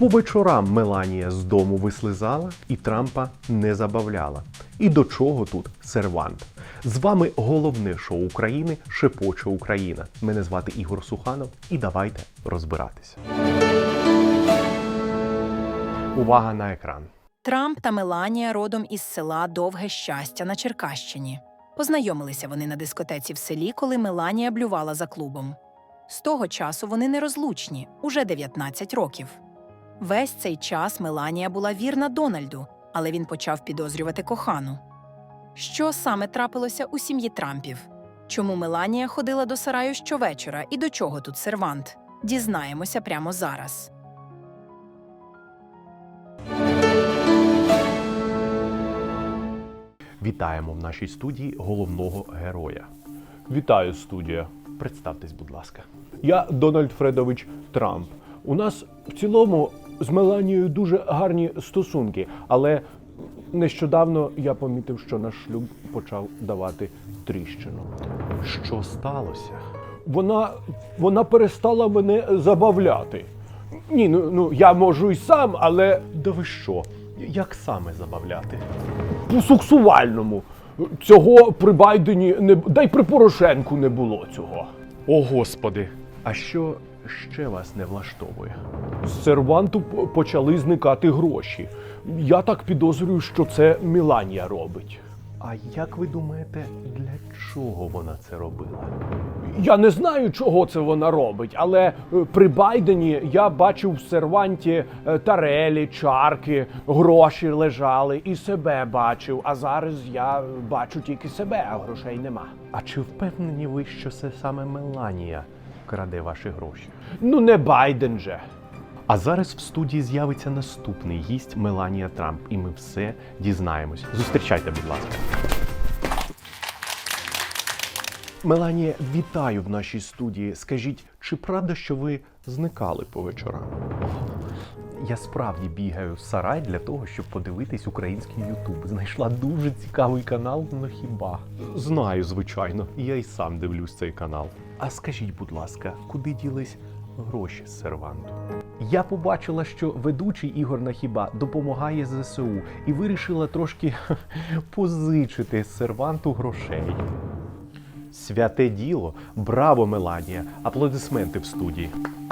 По вечорам Меланія з дому вислизала і Трампа не забавляла. І до чого тут сервант? З вами головне шоу України «Шепоче Україна». Мене звати Ігор Суханов і давайте розбиратися. Увага на екран. Трамп та Меланія родом із села Довге Щастя на Черкащині. Познайомилися вони на дискотеці в селі, коли Меланія блювала за клубом. З того часу вони нерозлучні, уже 19 років. Весь цей час Меланія була вірна Дональду, але він почав підозрювати кохану. Що саме трапилося у сім'ї Трампів? Чому Меланія ходила до сараю щовечора і до чого тут сервант? Дізнаємося прямо зараз. Вітаємо в нашій студії головного героя. Вітаю, студія. Представтесь, будь ласка. Я Дональд Фредович Трамп. У нас в цілому з Меланією дуже гарні стосунки, але нещодавно я помітив, що наш шлюб почав давати тріщину. Що сталося? Вона перестала мене забавляти. Ні, я можу й сам, але Да ви що? Як саме забавляти? по-сексуальному. Цього при Байдені не да й при Порошенку не було цього. О, Господи! А що ще вас не влаштовує? З серванту почали зникати гроші. Я так підозрюю, що це Меланія робить. А як ви думаєте, для чого вона це робила? Я не знаю, чого це вона робить, але при Байдені я бачив в серванті тарелі, чарки, гроші лежали і себе бачив. А зараз я бачу тільки себе, а грошей нема. А чи впевнені ви, що це саме Меланія краде ваші гроші? Ну не Байден же. А зараз в студії з'явиться наступний гість Меланія Трамп, і ми все дізнаємось. Зустрічайте, будь ласка. Меланія, вітаю в нашій студії. Скажіть, чи правда, що ви зникали по вечорам? Я справді бігаю в сарай для того, щоб подивитись український Ютуб. Знайшла дуже цікавий канал, ну хіба? Знаю, звичайно, я й сам дивлюсь цей канал. А скажіть, будь ласка, куди ділись гроші з серванту? Я побачила, що ведучий Ігор Нахіба допомагає ЗСУ і вирішила трошки позичити з серванту грошей. Святе діло! Браво, Меланія! Аплодисменти в студії.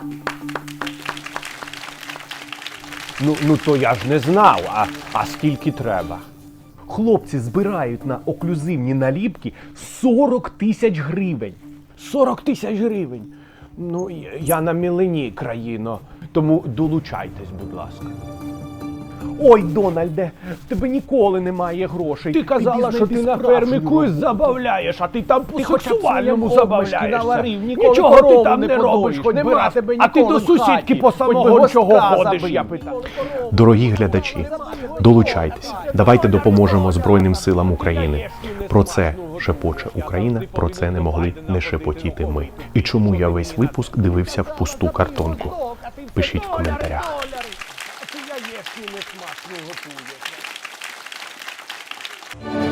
Ну то я ж не знав, а скільки треба? Хлопці збирають на оклюзивні наліпки 40 тисяч гривень. 40 тисяч гривень. Ну, я на мілені, країно, тому долучайтесь, будь ласка. Ой, Дональде, в тебе ніколи немає грошей. Ти казала, що ти на фермі кусь забавляєш, а ти там по-сексуальному забавляєшся. Нічого ти там не робиш, хоч би раз. А ти до сусідки по самого чого ходиш, я питаю. Дорогі глядачі, долучайтеся. Давайте допоможемо Збройним силам України. Про це шепоче Україна, про це не могли не шепотіти ми. І чому я весь випуск дивився в пусту картонку? Пишіть в коментарях. Яєчні не смачно готує.